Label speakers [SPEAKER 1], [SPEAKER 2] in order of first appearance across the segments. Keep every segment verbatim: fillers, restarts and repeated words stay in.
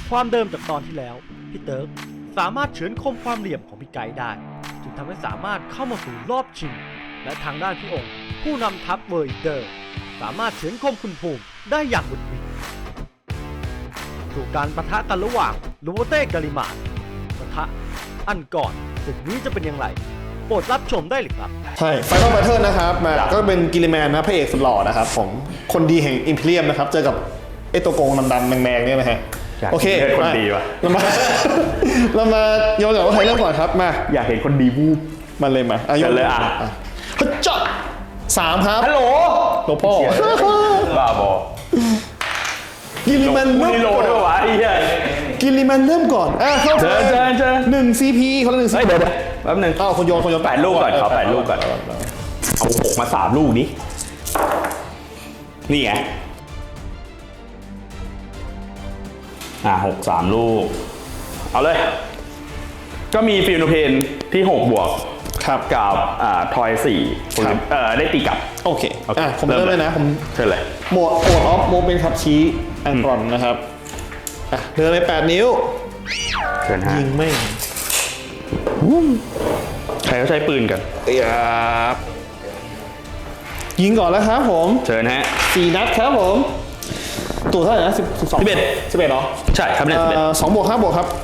[SPEAKER 1] ความเดิมจากตอนที่แล้วพี่เติร์กสามารถเฉือนคมความเหลี่ยมของพี่ไก่ได้จึงทำให้สามารถเข้ามาสู่รอบชิงและทางด้านพี่องค์ผู้นำทัพเวอร์อิเดอร์สามารถเฉือนคมคุณภูมิได้อย่างบุดหวิดสู่การปะทะกันระหว่างลูโบเต้กาลิมานปะทะอันก่อนศึกนี้จะเป็นอย่างไรโปรดรับชมได้เลยครับ
[SPEAKER 2] ใช่ไฟนอลแบทเทิลนะครับมาก็เป็นกิลิแมนนะพระเอกสุดหล่อนะครับผมคนดีแห่งอิมพีเรียมนะครับเจอกับไอ้ตัวโกงดำๆแมงๆเนี่ยนะฮะโอเค
[SPEAKER 3] คนดีวะ
[SPEAKER 2] เรามาเรามาโยนก่อนว่าใครเริ่มก่อนครับมา
[SPEAKER 3] อยากเห็นคนดีวูบ
[SPEAKER 2] มันเลยมา
[SPEAKER 3] โยนเลยอ่ะ
[SPEAKER 2] ฮึดจ๊ะสามครับ
[SPEAKER 3] ฮัลโหล
[SPEAKER 2] หลวงพ่อ
[SPEAKER 3] บ้าบอ
[SPEAKER 2] กิลิแมนเริ่มก่อน
[SPEAKER 3] ด้วยวะไอ้เหี้ย
[SPEAKER 2] กิลิแมนเริ่มก่อนอ่ะเข้า
[SPEAKER 3] เจอเจอเจอ
[SPEAKER 2] หนึ่งซีพีคนละหนึ่งซีพี
[SPEAKER 3] เดี๋ยวแป๊บนึง
[SPEAKER 2] อ้าวคนโยนคนโยน
[SPEAKER 3] แปดลูกก่อนเขาแปดลูกก่อนเอาหกมาสามลูกนี้นี่ไงอ่าหกสามลูกเอาเลยก็มีฟิลโนเพนที่หกบวก
[SPEAKER 2] ครับ
[SPEAKER 3] กับอ่าทอยสี่เอ่อได้ตีกลับ
[SPEAKER 2] โอเคอ่ะผมเริ่มเลยนะผม
[SPEAKER 3] เชิญเลย
[SPEAKER 2] โหมดโหมดออฟโมเป็นครับชี้แอนกรอนนะครับอ่ะเดินไปแปดนิ้ว
[SPEAKER 3] เชิญฮะ
[SPEAKER 2] ยิงไม่
[SPEAKER 3] ใครเขาใช้ปืนกัน
[SPEAKER 2] ครับยิงก่อนแล้วครับผม
[SPEAKER 3] เชิญฮะ
[SPEAKER 2] สี่นัดครับผมตัวเท่าไหร่นะสิบสอง
[SPEAKER 3] สิบเอ็ด
[SPEAKER 2] สิบเอ็ดเหรอ
[SPEAKER 3] ใช่ครับเนี่ยสิบเอ็ด
[SPEAKER 2] สองบวกห้าบวกครับ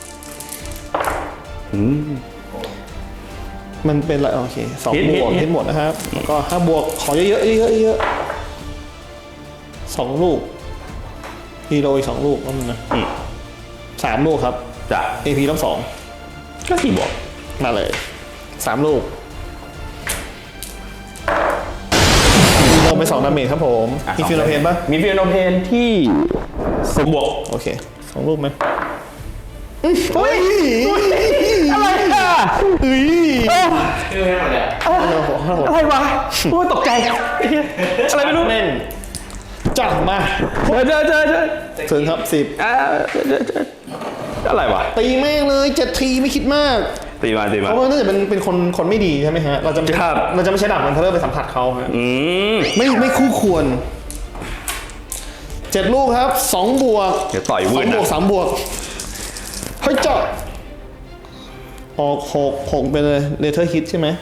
[SPEAKER 2] มันเป็นอะไรโอเคสองบวกทั้งหมดนะครับแล้วก็ห้าบวกขอเยอะๆเยอะๆเยอะสองลูกฮีโร่อีกสองลูกนั่นนะสามลูกครับ
[SPEAKER 3] จ้ะ
[SPEAKER 2] เอ พี ต้องสอง
[SPEAKER 3] ก็สี่บวก
[SPEAKER 2] มาเลยสามลูกลงไปสองดาเมจครับผมมีฟิลโนเพนป่ะ
[SPEAKER 3] มีฟิลโนเพนที่สมบวก
[SPEAKER 2] โอเคสองลูกไหม
[SPEAKER 3] เฮ้ยอะไรอ่ะ
[SPEAKER 2] เฮ้ย
[SPEAKER 3] อะไรวะโอ้ตกใจอะไรไม่รู้
[SPEAKER 2] แม่งจัดมา
[SPEAKER 3] เจอเจอเจอ
[SPEAKER 2] เชิญครับสิบ
[SPEAKER 3] อะไรวะ
[SPEAKER 2] ตีแม่งเลยเจ็ดทีไม่คิดมาก
[SPEAKER 3] ตีมาตีมา
[SPEAKER 2] เพราะว่าน่าจะเป็นเป็นคนคนไม่ดีใช่ไหมฮะเราจะเราจะไม่ใช้ดาบมันเทเลอร์ไปสัมผัสเขาฮะไม่ไม่คู่ควรเจ็ดลูกครับสองบวก
[SPEAKER 3] เดี๋ยวต่อยวุ้น
[SPEAKER 2] สองบวกสามบวกเฮ้ยเจาะออกหกหกไปเลยเลเทอร์ฮิตใช่ไหม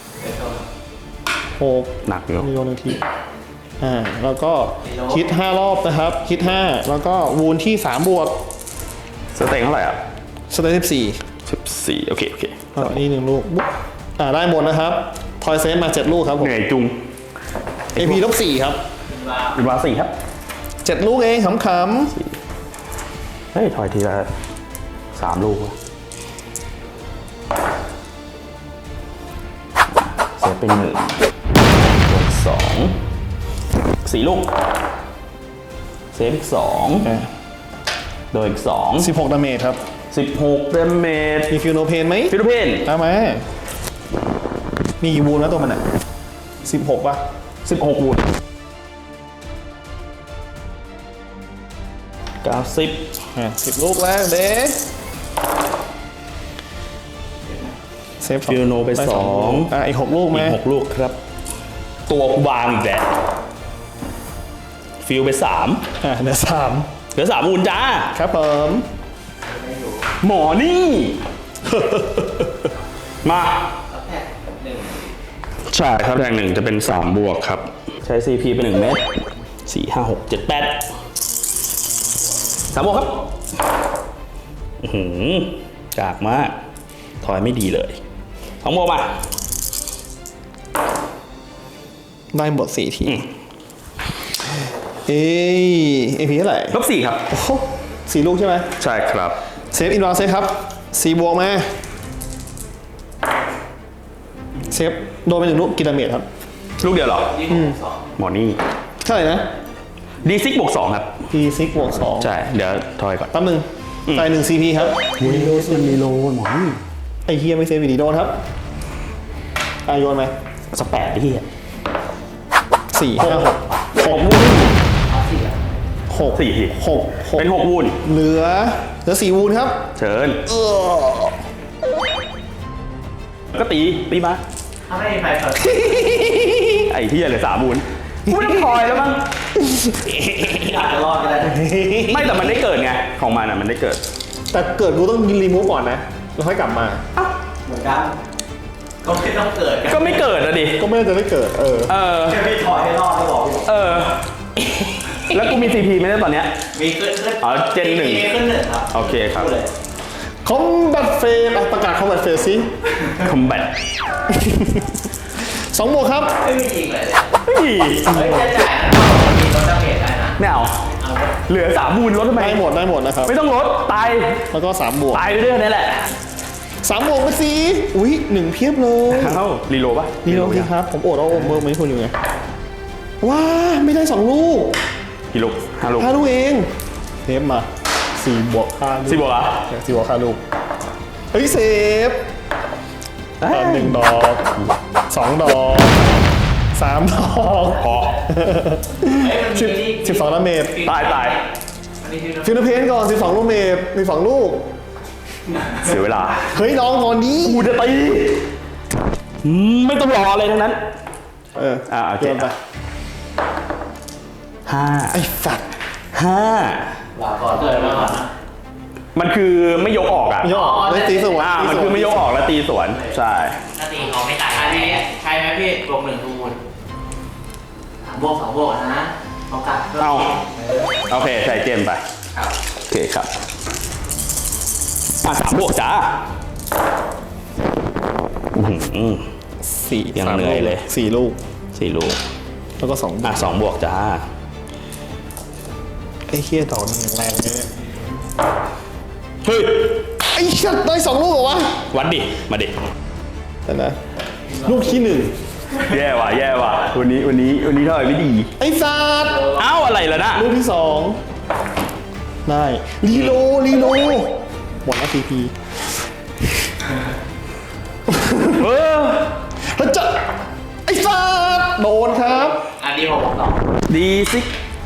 [SPEAKER 2] หก
[SPEAKER 3] หนักอยู่
[SPEAKER 2] โยนหนึ่งทีอ่าแล้วก็ฮิตห้ารอบนะครับฮิตห้าแล้วก็วูนที่สามบวก
[SPEAKER 3] สเต็งเท่าไหร่อ่ะ
[SPEAKER 2] สเต็งสิบสี่
[SPEAKER 3] สิบสี่โอเคโอเค
[SPEAKER 2] อ่านี่หนึ่งลูกอ่าได้หมดนะครับทอยเซนมาเจ็ดลูกครับผม
[SPEAKER 3] เหนื่อยจุง
[SPEAKER 2] เอ พี ลบสี่ครับ
[SPEAKER 3] อินวาสี่ครับ
[SPEAKER 2] เจ็ดลูกเองขำ
[SPEAKER 3] ๆเฮ้ยทอยทีละสามลูกเสียเป็นหนึ่งบวกสองสี่ลูกเซฟอีกสองโดยอีกสอง
[SPEAKER 2] สิบหกดาเมจครับ
[SPEAKER 3] สิบหกดาเมจ
[SPEAKER 2] มีฟิลโนเพนไหม
[SPEAKER 3] ฟิลโนเพน
[SPEAKER 2] เอาไหมมีกี่วูนแล้วตัวมันอ่ะสิบหกป่ะ
[SPEAKER 3] สิบหกวูนเก้าสิบ
[SPEAKER 2] สิบลูกแรกเด้เซฟ
[SPEAKER 3] ฟิลโนไปสอง
[SPEAKER 2] อ่ะอีกหกลูกไหม
[SPEAKER 3] อีกหกลูกครับตัวกูบางอีกแล้วฟิลไปสาม
[SPEAKER 2] อ่ะเหลือสาม
[SPEAKER 3] เหลือสามวูนจ้า
[SPEAKER 2] ครับผม
[SPEAKER 3] หมอนี่มาใช่ครับแทงหนึ่งจะเป็นสามบวกครับใช้ ซี พี เป็นหนึ่งเม็ดสี่ห้าหกเจ็ดแปดสามบวกครับอือหือกากมากถอยไม่ดีเลยสองบวกมา
[SPEAKER 2] ได้หมดสี่ทีเอเอพีเท่าไหร่
[SPEAKER 3] ลบสี่ครับ
[SPEAKER 2] โอ้โหสี่ลูกใช่ไหม
[SPEAKER 3] ใช่ครับ
[SPEAKER 2] เซฟอินวาเซฟครับสี่บวกมาเซฟโดนไปหนึ่งลูกกินดาเมจครับ
[SPEAKER 3] ลูกเดียวเหรอหมอนี่
[SPEAKER 2] เท่าไหร่นะ
[SPEAKER 3] ดีซิกบวกสองครับ
[SPEAKER 2] ดีซิกบวกสอง
[SPEAKER 3] ใช่เดี๋ยวทอยก่อน
[SPEAKER 2] แป๊บนึงใส่หนึ่งซีพีครับ
[SPEAKER 3] มีโลมันมีโลหมอนี่
[SPEAKER 2] ไอเฮียไม่เซฟวิดีโดนครับอ่ะโยนไหม
[SPEAKER 3] สแปดเฮีย
[SPEAKER 2] สี่ห้าหก
[SPEAKER 3] หกวูน
[SPEAKER 2] หก
[SPEAKER 3] สี่
[SPEAKER 2] หก
[SPEAKER 3] เป็นหกวูน
[SPEAKER 2] เหลือเหลือสี่วูนครับ
[SPEAKER 3] เชิญก็ตีตีมา
[SPEAKER 4] ทำให้ใครเปิด
[SPEAKER 3] ไอ้เฮียเลยสามวูนกูไม่ต้องทอยแล้วมั้ง
[SPEAKER 1] อาจจะรอดก็ได้
[SPEAKER 3] ไม่แต่มันได้เกิดไงของมันอ่ะมันได้เกิด
[SPEAKER 2] แต่เกิดกูต้องรีมูฟก่อนนะแล้วค่อยกลับมา
[SPEAKER 1] เหมือนกันก็ไม่ต้องเกิดกัน
[SPEAKER 3] ก็ไม่เกิดอะดิ
[SPEAKER 2] ก็ไม่น่าจะได้เกิดเออ
[SPEAKER 3] เออ
[SPEAKER 1] แค่พี่ถอยให้รอดก็บอก
[SPEAKER 3] เออ แล้วกูมี ซี พี ไหมเนี่ยตอนเนี้ย
[SPEAKER 1] มีขึ้นขึ้น
[SPEAKER 3] อ๋อเจนหนึ่ง
[SPEAKER 1] มีขึ้นหนึ่งครับ
[SPEAKER 3] โอเคครับ
[SPEAKER 1] พูดเลย
[SPEAKER 2] คอมบัตเฟสประกาศคอมบัตเฟสสิ
[SPEAKER 3] combat
[SPEAKER 2] สองบวกครับ
[SPEAKER 1] ไม่มีจริงเลย
[SPEAKER 3] เฮ้ย
[SPEAKER 1] เฮ้ยจะจ่ายนะมีลดดาเมจได้นะ
[SPEAKER 3] ไม่เอา
[SPEAKER 1] เอา
[SPEAKER 3] เหลือสามบูนลดทำไม
[SPEAKER 2] ได้หมดได้หมดนะครับ
[SPEAKER 3] ไม่ต้องลดตาย
[SPEAKER 2] แล้วก็สามบวก
[SPEAKER 3] ตายไปเรื่อยนี่แหละ
[SPEAKER 2] สามบวกไปสิอุ้ยหนึ่งเพียบเลย
[SPEAKER 3] เอ้ารีโหลดปะ
[SPEAKER 2] นี่เราสิครับ ผมโอดเอาโอมเบิร์กไม่คุณอยู่ไงว้าไม่ได้สองลูก
[SPEAKER 3] กี่ลูกห้าลูก
[SPEAKER 2] ห้าลูกเองเทปมาสี่บวกห้าลูก
[SPEAKER 3] สี่บวกเหรอ
[SPEAKER 2] สี่บวกห้าลูกเฮ้ยเซฟ
[SPEAKER 3] เอ้ย
[SPEAKER 2] ตอนหนึ่งดอกสองดอกสามดอก
[SPEAKER 3] พอ
[SPEAKER 2] สิบสิบสองดาเมจ
[SPEAKER 3] ตายตาย
[SPEAKER 1] อันนี้คือ
[SPEAKER 2] ฟิลเพนก่อนสิบสองลูกเมจมีสองลูก
[SPEAKER 3] เสียเวลา
[SPEAKER 2] เฮ้ยน้องก่อนนี้
[SPEAKER 3] กูจะตีอืมไม่ต้องรออะไรทั้งนั้น
[SPEAKER 2] เออ
[SPEAKER 3] อ่าโอเค
[SPEAKER 2] โยนไป
[SPEAKER 3] ห้า
[SPEAKER 2] ไอ้สัตว์
[SPEAKER 3] ห้า
[SPEAKER 1] ลาก่อนเลยมาก่อนนะ
[SPEAKER 3] มันคือไม่ยกออกอ่ะ
[SPEAKER 2] ไม่ยอมไม่ตีสวน
[SPEAKER 3] อ่า
[SPEAKER 2] ตี
[SPEAKER 3] มัน
[SPEAKER 2] สว
[SPEAKER 3] คือไม่ยกออกแล้วตีสวน ใช่
[SPEAKER 1] ถ้าตีเขาไม่ตายอันนี้ใช่ไหมพี่บวกหนึ่งคูณสามบวกสองบวกนะเอากลับ
[SPEAKER 3] เอา โอเคใส่เจมไป
[SPEAKER 1] ครับ
[SPEAKER 3] โอเคครับอ่ะสามบวกจ้าอื้อหือ
[SPEAKER 2] สี่
[SPEAKER 3] ยัง
[SPEAKER 2] สาม
[SPEAKER 3] เหนื่อยเลย
[SPEAKER 2] สี่ลูก
[SPEAKER 3] สี่ลูก
[SPEAKER 2] แล้วก็สอง
[SPEAKER 3] อ่ะสองบวกจ้า
[SPEAKER 2] ไอ้เฮียดอกนี่แรงเลยเนี่ย
[SPEAKER 3] เฮ้ย
[SPEAKER 2] ไอ้ชัดได้สองลูกเหรอวะ
[SPEAKER 3] วัดดิ มาดิ
[SPEAKER 2] แต่นะลูกที่หนึ่ง
[SPEAKER 3] แย่ว่ะ แย่ว่ะ วันนี้ วันนี้ วันนี้เท่าไหร่ไม่ดี
[SPEAKER 2] ไอ้สัตว์
[SPEAKER 3] เอ้าอะไรล่ะนะ
[SPEAKER 2] ลูกที่สองได้รีโลรีโลหมดแล้วซีพี
[SPEAKER 3] เออ
[SPEAKER 2] แล้วจะไอ้สัตว์โดนครับ
[SPEAKER 1] อันนี้ผมบอกต่อ
[SPEAKER 3] ดีสิ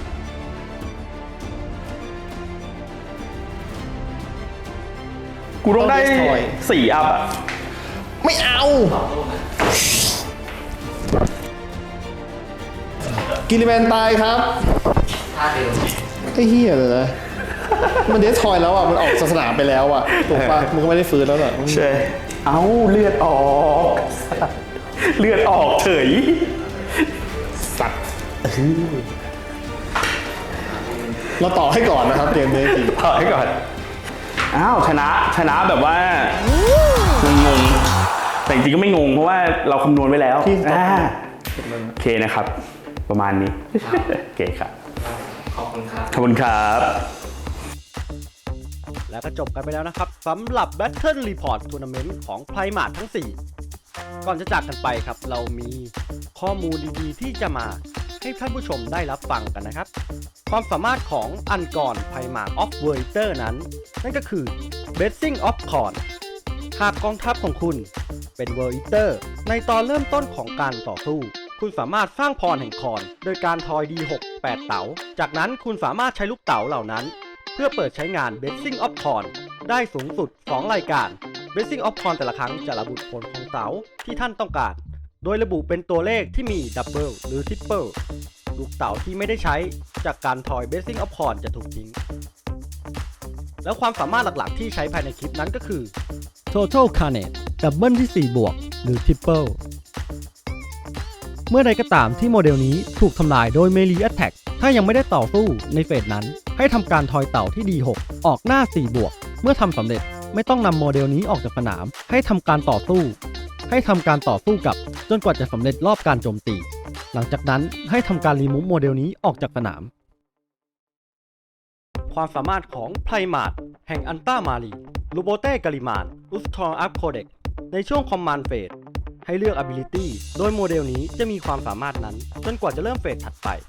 [SPEAKER 3] กูต้องได้สี่อัพอ่ะ
[SPEAKER 2] ไม่เอา
[SPEAKER 1] สองลูกนะ
[SPEAKER 2] กิลิแมนตายครับ
[SPEAKER 1] ท่าเดิม
[SPEAKER 2] ไอ้เฮียเลยนะมันเดสทอยแล้วอ่ะมันออกศาสนาไปแล้วอ่ะถูกป่ะมันก็ไม่ได้ฟื้นแล้วเหรอ
[SPEAKER 3] ใช่ เอ้าเลือดออก เลือดออกเฉย
[SPEAKER 2] สัตว์เราต่อให้ก่อนนะครับเกมนี้จริง
[SPEAKER 3] ต่อให้ก่อน อ้าวชนะชนะแบบว่างงๆแต่จริงๆก็ไม่งงเพราะว่าเราคำนวณไว้แล้วอ่าโอเคนะครับ ประมาณนี้โอเคครับ
[SPEAKER 1] ขอบคุณครับ
[SPEAKER 3] ขอบคุณครับ
[SPEAKER 1] แล้วก็จบกันไปแล้วนะครับสำหรับ Battle Report Tournament ของ Primark ทั้ง สี่ ก่อนจะจากกันไปครับ เรามีข้อมูลดีๆ ที่จะมาให้ท่านผู้ชมได้รับฟังกันนะครับ ความสามารถของอันกร Primark of w o r t e r นั้น นั่นก็คือ Blessing of Khorne หากกองทัพของคุณเป็น w o r t e r ในตอนเริ่มต้นของการต่อสู้ คุณสามารถสร้างพรแห่งคอนโดยการทอย ดี หก แปด เต๋า จากนั้นคุณสามารถใช้ลูกเต๋าเหล่านั้น เพื่อเปิดใช้งาน Blessing of Khorne ได้สูงสุด สอง รายการ Blessing of Khorne แต่ละครั้งจะระบุผลของเต๋าที่ท่านต้องการ โดยระบุเป็นตัวเลขที่มี Double หรือ Triple ลูกเต๋าที่ไม่ได้ใช้จากการทอย Blessing of Khorne จะถูกทิ้ง แล้วความสามารถหลักๆที่ใช้ภายในคลิปนั้นก็คือ Total Carnage ดับเบิลที่ สี่ บวก หรือ Triple เมื่อใดก็ตามที่โมเดลนี้ถูกทำลายโดย Melee Attack ถ้ายังไม่ได้ต่อสู้ในเฟสนั้น ให้ทำการทอยเต่าที่ ดี หก ออกหน้า สี่ บวก เมื่อทำสำเร็จไม่ต้องนำโมเดลนี้ออกจากสนาม ให้ทำการต่อสู้ ให้ทำการต่อสู้กับจนกว่าจะสำเร็จรอบการโจมตี หลังจากนั้นให้ทำการรีมูฟโมเดลนี้ออกจากสนาม ความสามารถของไพรมาร์แห่งอันต้ามารีลูโบเต้กาลิมานอุสทองอัพโคเด็กในช่วงคอมมานด์เฟสให้เลือก ability โดยโมเดลนี้จะมีความสามารถนั้นจนกว่าจะเริ่มเฟสถัดไป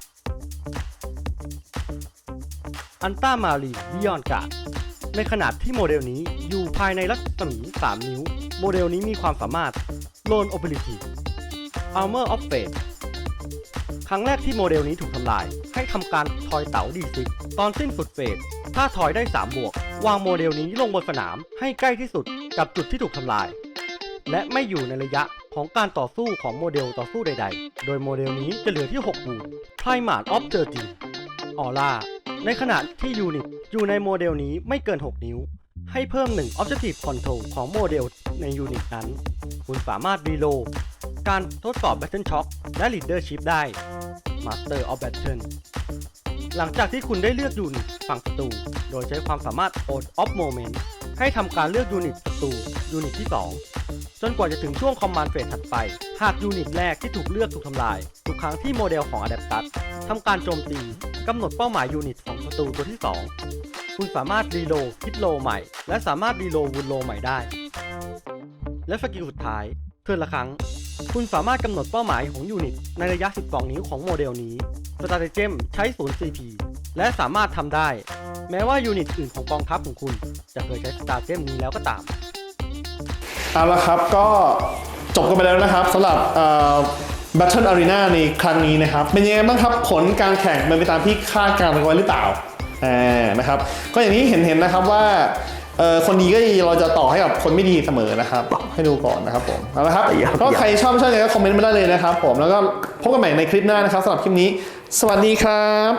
[SPEAKER 1] อันต้ามารีบิยอนการ์ดในขณะที่โมเดลนี้อยู่ภายในรัศมี สาม นิ้วโมเดลนี้มีความสามารถ Lone Ability Armor of Fate ครั้งแรกที่โมเดลนี้ถูกทำลายให้ทำการทอยเต๋า ดี ซิก ตอนสิ้นสุดเฟสถ้าทอยได้ สาม บวกวางโมเดลนี้ลงบนสนามให้ใกล้ที่สุดกับจุดที่ถูกทำลายและไม่อยู่ในระยะขของการต่อสู้ของโมเดลต่อสู้ใดๆ โดยโมเดลนี้จะเหลือที่หกบูท Primate of เจอร์จี ออร่า ในขณะที่ยูนิตอยู่ในโมเดลนี้ไม่เกินหกนิ้ว ให้เพิ่มหนึ่ง Objective Control ของโมเดลในยูนิตนั้น คุณสามารถรีโหลดการทดสอบ Battle Shock และ Leadership ได้ Master of Battle หลังจากที่คุณได้เลือกยูนิตฝั่งศัตรูโดยใช้ความสามารถ Out of Moment ให้ทำการเลือกยูนิตศัตรูยูนิตที่สองจนกว่าจะถึงช่วง Command Phase ถัดไปหากยูนิตแรกที่ถูกเลือกถูกทำลายทุกครั้งที่โมเดลของ Adeptus ทำการโจมตีกำหนดเป้าหมายยูนิตของศัตรูตัวที่สองคุณสามารถรีโหลดฮิตโลใหม่และสามารถรีโหลดวูนโลใหม่ได้และสกิลสุดท้ายเทิร์นละครั้งคุณสามารถกำหนดเป้าหมายของยูนิตในระยะสิบสองนิ้วของโมเดลนี้สตาร์เตเจมใช้ศูนย์ ซี พี และสามารถทำได้แม้ว่ายูนิตอื่นของกองทัพของคุณจะเคยใช้สตาร์เจมนี้แล้วก็ตาม
[SPEAKER 2] เอาละครับก็จบกันไปแล้วนะครับสำหรับ Battle Arena ในครั้งนี้นะครับเป็นยังไงบ้างครับผลการแข่งเป็นไปตามที่คาดการณ์ไว้หรือเปล่าอ่านะครับก็อย่างนี้เห็นเห็นนะครับว่าคนดีก็เราจะต่อให้กับคนไม่ดีเสมอนะครับให้ดูก่อนนะครับผมเอาละครับก็ใครชอบไม่ชอบยังไงก็คอมเมนต์มาได้เลยนะครับผมแล้วก็พบกันใหม่ในคลิปหน้านะครับสำหรับคลิปนี้สวัสดีครับ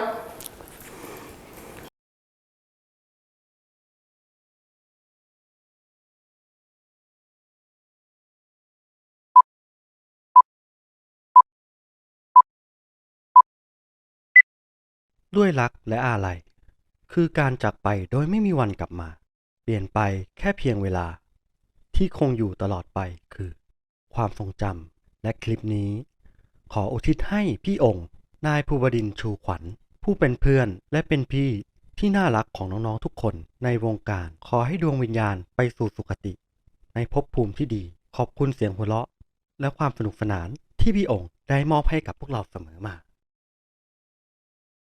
[SPEAKER 1] ด้วยรักและอาลัยคือการจากไปโดยไม่มีวันกลับมาเปลี่ยนไปแค่เพียงเวลาที่คงอยู่ตลอดไปคือความทรงจำและคลิปนี้ขออุทิศให้พี่องค์นายภูบดินทร์ชูขวัญผู้เป็นเพื่อนและเป็นพี่ที่น่ารักของน้องๆทุกคนในวงการขอให้ดวงวิญญาณไปสู่สุคติในภพภูมิที่ดีขอบคุณเสียงหัวเราะและความสนุกสนานที่พี่องค์ได้มอบให้กับพวกเราเสมอมา